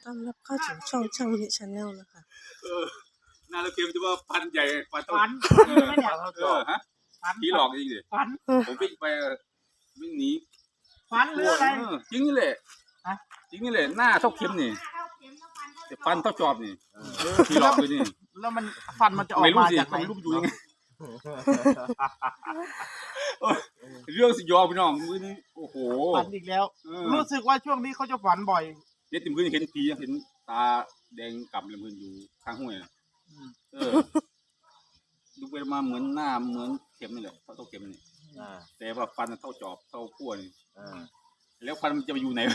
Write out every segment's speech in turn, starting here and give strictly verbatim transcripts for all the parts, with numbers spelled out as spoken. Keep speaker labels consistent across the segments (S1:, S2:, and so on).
S1: ต้อนรับเข้าสู่ช่องช่างมิชแนลนะคะ
S2: เออหน้าเราเกมจะว่าฟันใหญ่ฟัน
S3: ฟัน
S2: เออ
S3: ไม่เนี่ย
S2: เออฮะ
S3: ฟัน
S2: ผีหลอกจริงดิ
S3: ฟัน
S2: ผมวิ่งไปเออวิ่งหนี
S3: ฟันหรืออะไร
S2: เออจริงนี่แหละ
S3: ฮะ
S2: จริงนี่แหละหน้าเท่าเข็มนี่แต่ฟันเท่าจอบนี่เออผีหลอกเลยนี่
S3: แล้วมันฟันมันจะออก
S2: ไม่รู้
S3: มา
S2: สิ
S3: จากไหน
S2: ไม่รู้อยู่ยังไงเออเรื่องสยองพี่น้องมือนี้โอ้โห
S3: ฟันอีกแล้ว
S2: เออ
S3: รู้สึกว่าช่วงนี้เขาจะฝันบ่อย
S2: เนี่ยติมพื้นเห็นผีเห็นตาแดงกำเลยพื้นอยู่ข้างห้วยน่ะเออดูไปมาเหมือนหน้าเหมือนเข็มนี่แหละเท่าเข็มนี่
S4: อ่า
S2: แต่ว่าฟันมันเท่าจอบเท่าขั้วนี่
S4: อ่า
S2: แล้วฟันมันจะไปอยู่ไหน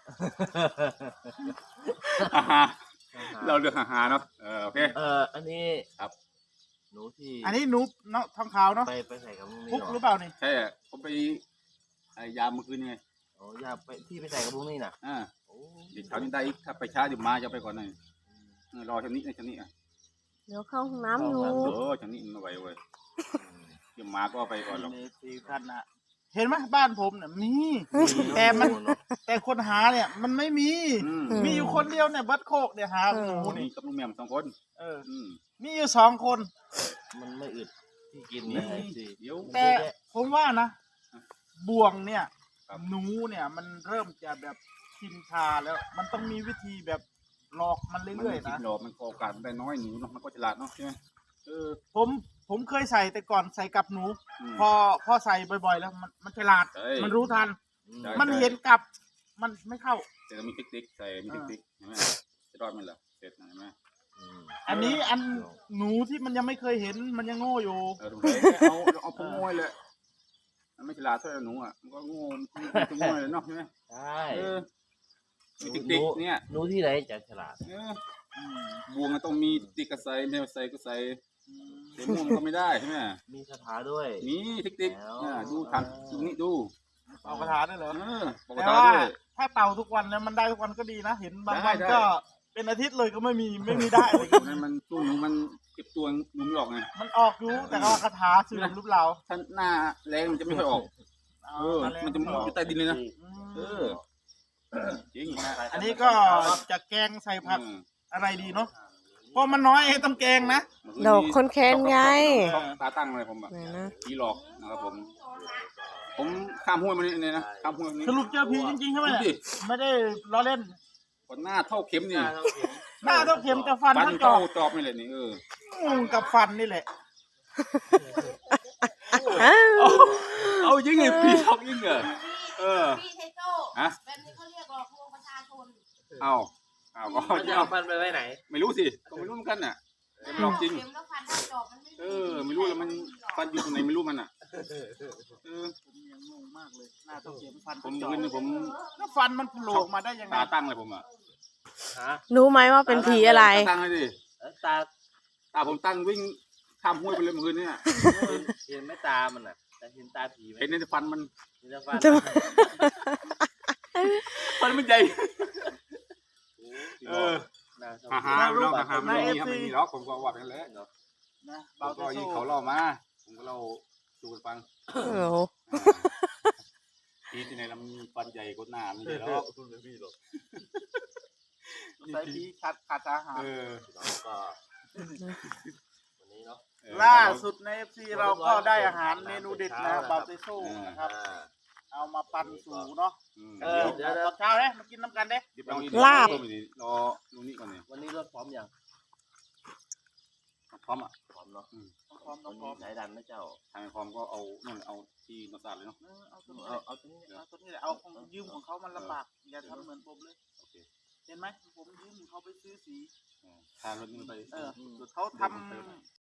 S2: ฮ่าฮ่าเราเลือกฮ่าฮ่าเนาะเออโอเค
S4: เอ่ออันนี้
S2: ครับ
S4: หนูที่
S3: อันนี้หนูเนาะทองขาวเนาะ
S4: ไปไปใส่กับมุ้งนี่
S3: พุก
S4: เหร
S3: หรือ
S4: อ
S3: เปล่านี่
S2: ใช่อะผมไปไอ้ยามเมื่อคืนไง
S4: โอ้ยาไปที่ไปใส่กับมุ้งนี่น่ะ
S2: อ่า
S4: โอ้
S2: เดี๋ยวเช้านี้ได้อีกถ้าไปช้าเดี๋ยวมาจะไปก่อนหน่อยเออรอชันนี้นะชันนี้อ่ะ
S1: เดี๋ยวเข้าห้องน้ำอยู่
S2: เออชันนี้มันไหวเว้ยเดี๋ยวมาก็ไปก่อนหรอก
S3: ในซีท่านนะเห็นไหมบ้านผมเนี่ยมี แต่มัน แต่คนหาเนี่ย มันไม่มี
S2: อืม
S3: มีอยู่คนเดียวเนี่ยบัดโคกเนี่ยหาหนู
S2: นี่
S3: นี่
S2: กับลุงแหม่มสองคน
S3: เออ
S2: อืม
S3: มีอยู่สองคน
S4: มันไม่อึดที่กิน
S2: นี่
S4: นะไอ้สิ
S2: เดี๋ยว
S3: แต่ผมว่านะ
S2: อ่ะ
S3: บ่วงเนี่ย
S2: ครับ
S3: หนูเนี่ยมันเริ่มจะแบบชินชาแล้ว มันต้องมีวิธีแบบหลอกมัน
S2: มัน
S3: เรื่อย
S2: ไม่
S3: ๆ
S2: คิ
S3: นะ
S2: ดหรอกมันก็โอกาสได้น้อยหนูเนาะมันก็ฉลาดเนาะใช่ไหมเออ
S3: ผมผมเคยใส่แต่ก่อนใส่กับหนู
S2: ม
S3: พอพอใส่บ่อยๆ แล้วมันมันฉลาด
S2: ใช่
S3: มันรู้ทัน
S2: ใช่
S3: มันเห็นกับ มันไม่เข้า
S2: แต่ก็มีเทคนิคใส่มีเทคนิคเห็นไหมจะรอดไหมล่ะเสร็จนะเห็นไหม
S4: อืม
S3: อันนี้อันหนูที่มันยังไม่เคยเห็นมันยังโง่อยู่
S2: เออตรงไหนเอาเอาพวกโง่เลยมันไม่ฉลาดเท่าไหร่หนูอ่ะมันก็โง่มันก็โง่เลยเนาะใช่ไหม
S4: ใช่
S2: เออมีเทคนิคเนี่ย
S4: หนูที่ไหนจะฉลาด
S2: เออ บวงมันต้องมีติ๊กก็ใส่แมวใส่ก็ใส่เดี๋ยวม่วงก็ไม่ได้ใช่ไหม
S4: มีคาถาด้วย
S2: มีเทคนิค
S4: แล้ว
S2: อ่าดูทำดูนี่ดู
S3: เอากระถาได้เหรอ
S2: เออปก
S3: แต่
S2: ติ
S3: ว่า
S2: ด้วย
S3: ถ้าเต่าทุกวันแล้วมันได้ทุกวันก็ดีนะ เห็นบางวัน
S2: ได้ได้
S3: ก็เป็นอาทิตย์เลยก็ไม่มีไม่มีได้เลย
S2: ตรงนั้นมันตู้หนูมันเก็บตัวหนูไม่ออกไง
S3: มันออกอยู่แต่ว่าคาถาสื่อรูปเรา
S2: ถ้าหน้าแรงมันจะไม่ค่อยออก เออ มันจะมุดอยู่ใต้ดินเลยนะ
S3: อื
S2: เอ
S3: ม
S2: อ จริง
S3: อันนี้ก็จะแกงใส่ผัก
S2: อืม
S3: อะไรดีเนาะเพราะมันน้อยต้องแกงนะ
S1: ดอกคนแค้นไง
S2: ชอบตาตั้งเลยผมแบบ
S1: ไหนนะ
S2: ผีหลอกนะครับผม ผมข้ามห้วยมานี่เลยนะข้ามห้วยมานี่
S3: สรุปเจอผีจริงๆใช่ไหม
S2: ดู
S3: เนี่ย
S2: ดิ
S3: ไม่ได้ล้อเล่น
S2: ก่อนหน้าเท่าเข็มนี่
S3: หน้าต้องเข็มแต่ฟัน
S2: ฟัน
S3: ทั้งจอ
S2: เท่าก จอบนี่แหละนี่เออ
S3: งูกับฟันนี่แหละ
S1: อ้าว
S2: เอายิงไงผีหลอกยิงเหรอเออ
S5: พี่ไทโจ้
S2: ฮะ
S5: แบบนี้เขาเรียกหลอกลวงประชาชน
S2: เอาเอาก็
S4: มันจะเอาฟันไปไว้ไหน
S2: ไม่รู้สิก็ไม่รู้เหมือนกันน่ะแต่มันหลอกจริง
S5: เข็มแล้วฟันได้จอบมันไม่มี
S2: เออ ไม่รู้แล้วมันฟันอยู่ตรงไหนไม่รู้มันอ่ะเออ
S3: ผมยังงงมากเลยหน้าต้องเข็มฟัน
S2: ผม
S3: จอ
S2: คื
S3: ก
S2: นนี้ผม
S3: แล้วฟันมันโผล่ออกมาได้ยังไง
S2: ตาตั้งเลยผมอ่ะ
S4: ฮะ
S1: รู้ไหมว่าเป็นผีอะไร
S2: ตาตั้งเลยดิ
S4: เอ้ยตา
S2: ตาผมตั้งวิ่งข้ามห้วยไปเลยเมื่อคืนนี้น่ะ
S4: เห็นเห็นไหม่ตามันน่ะ แต่เห็นตาผีไหม
S2: เห็นในฟันมัน
S4: เห็นแต่ฟัน
S1: จะ
S2: ฟันมันใหญ่ เออ
S4: น่าชอบ
S2: ฮ่าฮ่าไม่ต้องฮ่าฮ่าไม่มีครับไม่มีหรอกผมก็ว่าไปแล้ว
S4: เนาะ
S3: นะ
S2: เรา
S3: เบา
S2: ก็
S3: แต่
S2: ยิง
S3: สู้
S2: เขาเล่ามาผมก็เล่าสู่กันฟัง
S1: โอ้โห
S2: ทีที่ไหนเรามีฟันใหญ่กว่าหน้าไม่ใช่หรอก
S4: คุณไม่มีหรอก
S3: ใส่พีขาดขาดอาหาร
S2: เออ
S4: เราก็วันนี้เนาะ
S2: เออ
S3: ล่าสุดในเอฟซีเราก็ได้อาหารเมนูเด็ดนะเบาเตโซ่นะครับ
S4: อ่า
S3: เอามาปั่นสูเนาะ
S2: อืม
S3: เออ
S4: เดี๋ยวเดี๋ยว
S3: ตอนเช้าเลยมากินน้ำกันเด้
S2: เดี๋ยวเรา
S1: ลาบ
S2: รอลุงนี่ก่อนเนี่ย
S4: วันนี้รถพร้อมยัง
S2: พร้อมอ่ะ
S4: พร้อมเนาะ
S3: ต้องพร้อมต้
S4: วั
S3: อน งพร้
S4: นี้
S3: อม
S4: สายดันนะเจ้า
S2: ทางพร้อมก็เอานั่นเอาที่นอสาดเลยเนาะ
S3: เออเอาตัวนี้
S4: เอาเอาตัวนี้
S3: เอาตัวนี้แหละเอาของยืมของเขามันลำบากอย่าทำเหมือนผมเลย
S2: โอเค
S3: เห็นไหมผมยืมเขาไปซื้อสี
S2: เออทางรถนี่มันไป
S3: เออเขาท